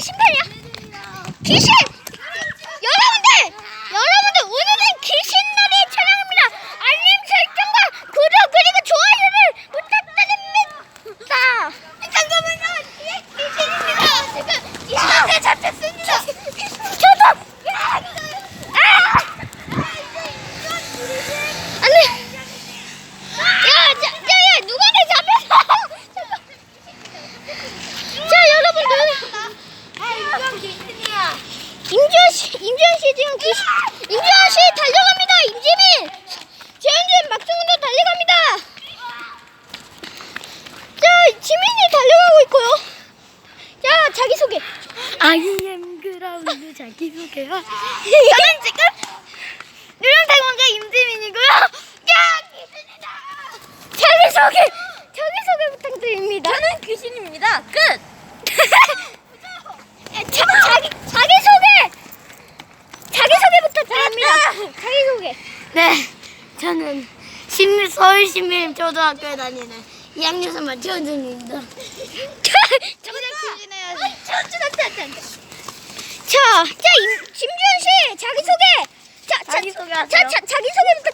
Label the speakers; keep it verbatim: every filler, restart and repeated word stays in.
Speaker 1: 심판이야. 귀신! 여러분들! 여러분들 오늘은 귀신놀이 촬영입니다. 알림 설정과 구독 그리고 좋아요를 부탁드립니다. 잠깐만요. 뒤에 귀신입니다. 지금 귀신한테 잡혔습니다. 저도! 아! 안돼! 야, 야, 야, 야, 누가 내 잡혔어? 자, 여러분들. 임지원 씨, 임지원 씨 지금 귀신, 임지원 씨 달려갑니다. 임지민, 재현준 막승훈도 달려갑니다. 자, 지민이 달려가고 있고요. 자, 자기 소개.
Speaker 2: 아이엠 그라운드 자기소개요.
Speaker 1: 저는 지금 누렁대공자 임지민이고요. 야, 귀신이다. 자기 소개, 자기 소개 부탁드립니다.
Speaker 2: 저는 귀신입니다. 끝.
Speaker 1: 자, 자기 자기 소개, 자기 소개 부탁드립니다. 자기 소개.
Speaker 2: 네, 저는 신, 서울 신민 초등학교에 다니는 이 학년 삼 반 최원준입니다.
Speaker 1: 저는 귀신해야지. 자, 자, 임, 김주현 씨 자기 소개. 자, 자,
Speaker 2: 자기소개하세요.
Speaker 1: 자, 자, 자기 소개